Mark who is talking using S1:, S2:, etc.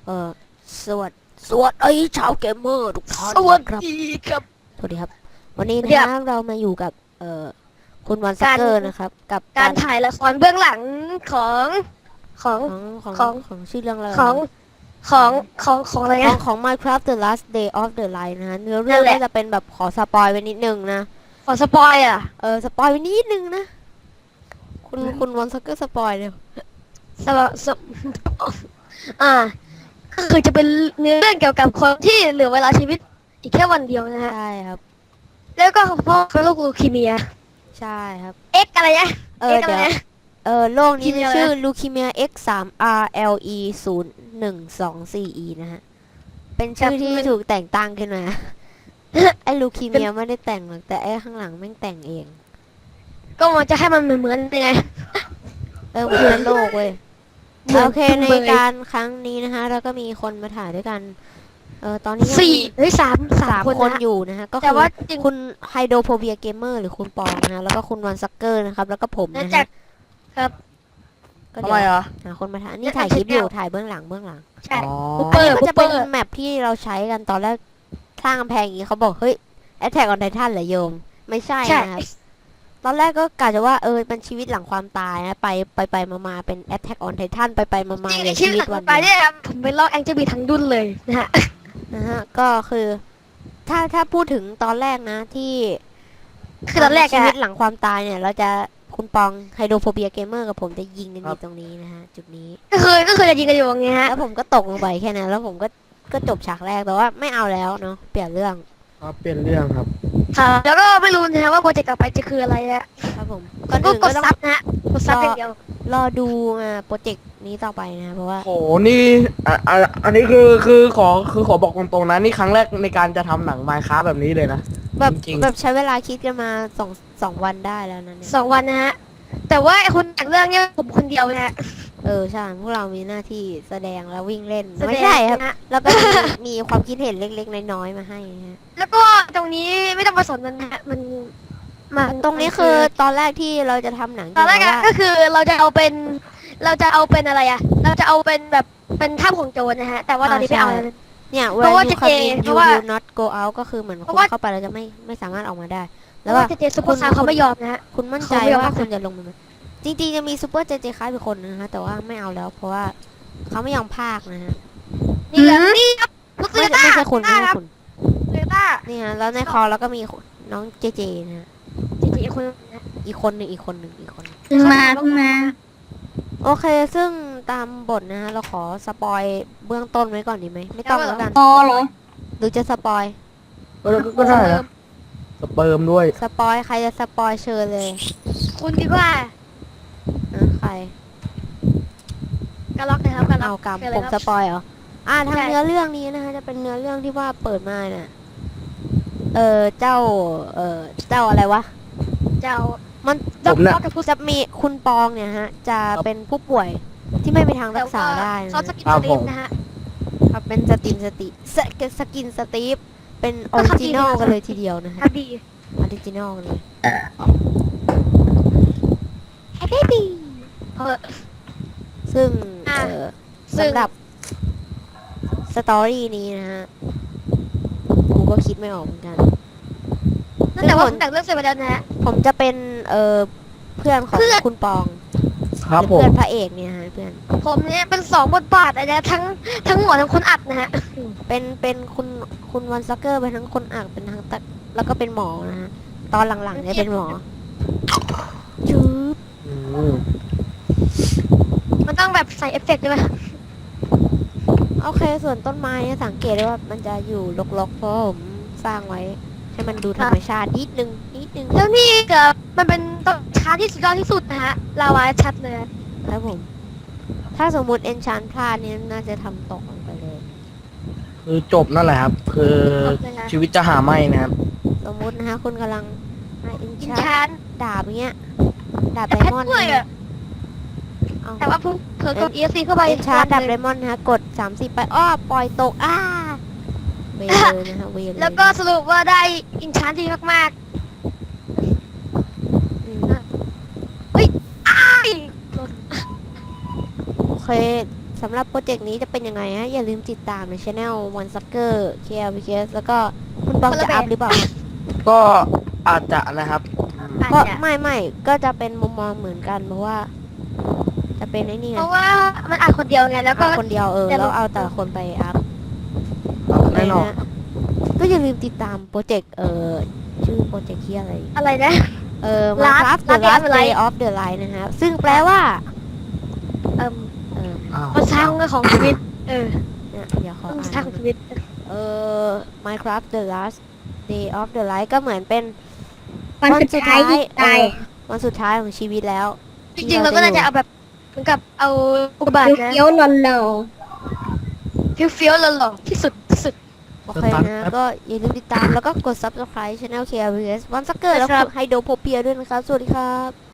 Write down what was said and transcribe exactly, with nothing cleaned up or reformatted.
S1: เออสวัสดีสวัสดีชาวเกมเมอร์ทุกท่าน
S2: สวัส
S1: นะครับ
S2: ดีครับ
S1: สวัสดีครับ วันนี้
S2: สวัสดี
S1: นะครับ เรามาอยู่กับเอ่อคุณวันซัก
S2: การ
S1: เกอร์นะครับ กับ
S2: การถ่ายละครเบื้องหลังของของ
S1: ของของ
S2: ของ
S1: ของชื่อเรื่องอะไร
S2: ของของของของอะไร
S1: ของ
S2: นะ
S1: ของ Minecraft The Last Day of the Light นะฮะเนื้อ
S2: นั่
S1: เรื่อง
S2: นแหละ
S1: ก็จะเป็นแบบขอสปอยไว้นิดนึงนะ
S2: ขอสปอยอ่ะ
S1: เออสปอยไว้นิดนึงนะ คุณคุณวันซักเกอร์สปอยเลย
S2: สปสปอ่าก็คือจะเป็นเนื้อเรื่องเกี่ยวกับคนที่เหลือเวลาชีวิตอีกแค่วันเดียวนะฮะ
S1: ใช่ครับ
S2: แล้วก็พ่อเขาโรคลูคีเมีย
S1: ใช่ครับ
S2: เอ็กอะไรนะ
S1: เอ
S2: เอ็
S1: อก
S2: อะไร
S1: เดี๋ยว
S2: นะ
S1: เออโรคนี้
S2: leukemia
S1: ชื่อ
S2: อะไรนะ
S1: leukemia เอ็กซ์ ทรี อาร์ แอล อี ศูนย์ หนึ่ง สอง สี่ อี นะฮะ เป็นชื่อที่ถูกแต่งตั้งขึ้นมา ไอ้ลูคีเมียไม่ได้แต่งหรอก แต่ไอ้ข้างหลังแม่งแต่งเอง
S2: ก็มันจะให้มันเหมือนเหมือนยังไง
S1: เออมันเป็นโรคเว้ย
S2: เหมือน
S1: โอเค
S2: จุง
S1: ใน
S2: เบย
S1: การครั้งนี้นะคะเราก็มีคนมาถ่ายด้วยกัน เออตอนนี้ยัง
S2: สี่
S1: มี
S2: เฮ้ยสามสา
S1: สาม ม
S2: คน
S1: คน
S2: นะฮะ
S1: อยู่นะฮะ ก็
S2: แต่
S1: คือ
S2: ว่าจริง
S1: คุณไฮโดรโฟเบียเกมเมอร์หรือคุณปองนะฮะ แล้วก็คุณวันซักเกอร์นะครับ แล้วก็ผม
S2: นะ
S1: นะ
S2: จา
S1: ฮะ
S2: กครับ
S1: ก็
S2: ทำ
S1: เดี๋
S2: ไม
S1: ยว
S2: เหรอ
S1: หาคนมาถ่าย นี่
S2: แล้ว
S1: ถ่าย
S2: อัน
S1: คลิป
S2: เสร็
S1: อ
S2: จ
S1: ยู่
S2: แล้ว
S1: ถ่ายเบื้องหลังเบื้องหลัง
S2: ใช่
S3: อ๋อ
S2: บุป
S1: อัน
S2: เปอ
S1: นี้
S2: ร์
S1: มัน
S2: บุ
S1: จะ
S2: ปเป
S1: เป็
S2: อน ร์
S1: แมปที่เราใช้กันตอนแรกสร้างกำแพงอย่างนี้เขาบอกเฮ้ย Attack on Titan เหรอโยม ไม่ใช่
S2: ใช่
S1: นะครับ ตอนแรกก็กะจะว่าเออเป็นชีวิตหลังความตายนะไปไปไปมามาเป็น Attack on Titan ไปไปมามา
S2: จริง
S1: เหลือ
S2: ชี
S1: ชี
S2: วิ
S1: วิ
S2: ต
S1: ต
S2: หลั
S1: วั
S2: ง
S1: น
S2: ไป
S1: เดียว
S2: เนี่ยครับผมไปลอกแองเจิลบีทั้งดุนเลยนะฮะ
S1: นะฮะก็คือถ้าถ้าพูดถึงตอนแรกนะที่
S2: คือตอนแรก
S1: ชี
S2: อะ
S1: วิตหลังความตายเนี่ย เราจะคุณปองไฮโดรโฟเบียเกมเมอร์กับผมจะยิงกันอ
S3: ครั
S1: ยู่
S3: บ
S1: ตรงนี้นะฮะจุดนี้
S2: ก็คือก็คือจะยิงกันอยู่อย่างเงี้ยฮะ
S1: แล้วผมก็ตกลงไปแค่นั้นแล้วผมก็ก็จบฉากแรกแต่ว่าไม่เอาแล้วเนาะเปลี่ยนเรื่อง
S3: ครับเปลี่ยนเรื่องครับ
S2: ค่ะแล้วก็ไม่รู้นะฮะว่าโปรเจกต์ต่อไปจะคืออะไรอะ
S1: ครับผมก่อน
S2: ก็
S1: อื่น
S2: ก
S1: ก็
S2: ด
S1: ต้อง
S2: ซับนะฮะกดซับอย่างเดียว
S1: รอดูอ่าโปรเจกต์นี้ต่อไปนะเพราะว่า
S3: โห นี่อ่ะอ่ะอันนี้คือ คือขอ คือขอบอกตรงๆนะ นี่ครั้งแรกในการจะทำหนังไมค์ค r a f t แบบนี้เลยนะ
S1: แบบ
S3: จริงๆ
S1: แบบใช้เวลาคิดกันมาสองสองวันได้แล้วนะเนี่ย
S2: สองวันนะฮะแต่ว่าไอ้คนแต่งเรื่องเนี่ยผมคนเดียวนะฮะ
S1: เออใช่พวกเรามีหน้าที่แสดงแล้ววิ่งเล่น
S2: แสดง
S1: ไม่ใช่ครับ
S2: นะฮะ
S1: แล้วก็มีมีความคิดเห็นเล็กๆน้อยๆมาให้ฮะ
S2: แล้วก็ตรงนี้ไม่ต้องมาสนมันนะฮะมันมัน
S1: ตรงนี้คือตอนแรกที่เราจะทำหนัง
S2: ตอนแรกอะ
S1: ว่า
S2: ก็คือเราจะเอาเป็น เราจะเอาเป็นอะไรอะเราจะเอาเป็นแบบเป็นถ้ำของโจรนะฮะแต่ว่าตอนนี้ไม่เอาแล้ว
S1: เนี่ย
S2: เพ
S1: when
S2: ราะว่า
S1: you
S2: จะ
S1: come
S2: เจ
S1: in
S2: เพ
S1: you
S2: ราะว่า
S1: will not go out ก็คือเหมือน
S2: เพ
S1: คุ
S2: ราะ
S1: ณ
S2: ว่า
S1: เข้าไปแล้วจะไม่ไม่สามารถออกมาได้
S2: เพ
S1: แล้ว
S2: ราะ
S1: ก็
S2: ว่าเจเจซุปเปอร์ซาร์เขาไม่ยอมนะฮะ
S1: คุณมั่นใจ
S2: เขาไม่ยอม
S1: ว่า
S2: เข้า
S1: คุณจะลงมาไหมจริงๆจะมีซูเปอร์เจเจคล้ายเป็นคนนะคะแต่ว่าไม่เอาแล้วเพราะว่าเขาไม่ยอมพากนะฮะ
S2: นี่แหละนี่ครับลูก
S1: ไม่
S2: เสือ
S1: ใช่
S2: ต้า
S1: ไม่ใช่คุณไม่
S2: ต้า
S1: ใช่
S2: ครับ
S1: คุณ
S2: เสือต้า
S1: นี่ฮะแล้วในคอแล้วก็มีน้องเจเจนะฮะ
S2: เจเจคนนะ
S1: อีกคนหนึ่งอีกคนหนึ่งอีกคนหนึ่ง
S2: เพิ่งมาเพิ่งมา
S1: โอเค ซึ่งตามบทนะฮะเราขอสปอยเบื้องต้นไว้ก่อนดีไหมไม่ต้องแล้วกัน
S2: พอเหรอ
S1: หรือจะสปอย
S3: ก็ก็ได้นะสเปิร์มด้วย
S1: สปอยใครจะสปอยเชิญเลย
S2: คุณดีกว่า
S1: นะใคร
S2: กระล็อกนะครับกระล็
S1: เอา
S2: อก
S1: กรรม
S2: เชิญเล
S1: ผ
S2: ย
S1: ม
S2: ครับ
S1: สปอยเหรออ่าทาง
S2: ใช่
S1: เนื้อเรื่องนี้นะคะจะเป็นเนื้อเรื่องที่ว่าเปิดมาเนี่ยเออเจ้าเออเจ้าอะไรวะ
S2: เจ้า
S1: มัน
S3: ผมน่ะ
S2: ด็อกกับผู้
S1: จะมีคุณปองเนี่ยฮะ จะเป็นผู้ป่วยที่ไม่มีทางรักษาได้นะ
S2: ซอสสกิน
S3: ครับ
S2: สลิ
S3: ผ
S2: ป
S3: ม
S2: นะฮะ
S1: ครับเป็นสตินสติสกสกินสตีฟเป็นออริจินอลกันเลยทีเดียวนะฮะ
S2: ครับดี
S1: ออริจินอลกันเลย
S2: แฮปปี้เออ
S1: ซึ่ง
S2: อ่ะ
S1: เออ
S2: ซึ่ง
S1: สำหรับสตอรี่นี้นะฮะกูก็คิดไม่ออกเหมือนกัน
S2: นั่นแต่ว่าผมแต่งเรื่องเสร็จไปแล้วนะฮะ
S1: ผมจะเป็นเออเพื่อนของ
S2: เพื่อน
S1: คุณปอง
S3: ครับผ
S1: เพื่
S3: ม
S1: อนพระเอกเนี่ยฮะเพื่อน
S2: ผมเนี่ยเป็นสองบทบาทนะทั้งทั้งหมอทั้งคนอัดนะฮะ
S1: เป็นเป็นคุณคุณวันซักเกอร์เป็นทั้งคนอักเป็นทั้งตัดแล้วก็เป็นหมอนะฮะตอนหลังๆเนี่ยเป็นหมอจืบ
S3: อืม
S2: มันต้องแบบใส่เอฟเฟกต์ด้วยไหม
S1: โอเคส่วนต้นไม้เนี่ยสังเกตได้ว่ามันจะอยู่รกๆเพราะผมสร้างไว้ให้มันดูธรรมชาตินิดนึงนิดนึง
S2: แล้วนี่เกิดมันเป็นต้นช้าที่สุดยอดที่สุดนะฮะลาวาชัดเลย
S1: ครับผม ถ้าสมมุติเอนชานพลาดเนี่ยน่าจะทำตกลงไปเลย
S3: คือจบนั่นแหละครับ คือชีวิตจะหาไม่นะครับ
S1: สมมุตินะฮะคุณกำลังเอน
S2: อิน
S1: ชาน
S2: ชาน
S1: ดาบเงี้ยดาบ
S2: แต่
S1: ได
S2: แพท
S1: มอนด์
S2: ด้วย
S1: นะ
S2: อะ
S1: เอา
S2: แต่ว่าเพิ่งเผลอกด เอ เอส ซี เข้าไป
S1: เอนชานดาบ
S2: เล
S1: ได
S2: ย
S1: มอนด์นะฮะกดสามสิบไปอ้อปล่อยตกอ้าเวเลยนะฮะเวเลย
S2: แล้วก็สรุปว่าได้อินชานที่มาก
S1: อืม
S2: ๆเฮ้ยอ้าย
S1: โอเคสำหรับโปรเจกต์นี้จะเป็นยังไงฮะ อย่าลืมติดตามในช anel One Sucker เค แอล พี เค เอส แล้วก็คุณบองจะอัพหรือเปล่า
S3: ก็อาจจะนะครับ
S2: อาจ
S1: ก็
S2: จะ
S1: ไม่ไม่ก็จะเป็นมุมมองเหมือนกันเพราะว่า จะเป็นไอ้นี่ไง
S2: เพราะว่ามันอ่านคนเดียวไงแล้วก็
S1: อัพคนเดียวเออ
S2: แต่
S1: แล้วเอาแต่ละคนไปอัพ
S3: แน่นอน
S1: ะฮะก็อย่าลืมติดตามโปรเจกต์เออชื่อโปรเจกต์ที่อะไร
S2: อะไรนะ
S1: เออ
S2: Last-
S1: Minecraft The
S2: Last
S1: Last
S2: Day
S1: Day of the Light นะฮะซึ่งแปลว่า
S2: เอ่ม
S1: เออ
S3: อ้าว
S2: มันสร้างของชีวิต เออ
S1: เนี่ยเดี๋ยวขอ
S2: มัน
S1: อ่าน
S2: สร้างชีวิต
S1: เออ Minecraft The Last Day of the Light ก็เหมือนเป็น
S4: วันสุดท้ายที่ตาย
S1: เออวันสุดท้ายของชีวิตแล้ว
S2: จริงๆเราก็น่าจะเอาแบบเหมือนกับเอาอุกกาบาตนะ
S4: เคี้ยวๆหล่น
S2: เฟี้ยวๆหล่อๆที่สุดที่สุด
S1: โอเคนะก็อย่าลืมติดตามแล้วก็กด Subscribe Channel เค แอล พี เอส One Sucker แล้ว
S2: ครับ
S1: กดไฮโดโพเปียด้วยนะครับ สวัสดีครับ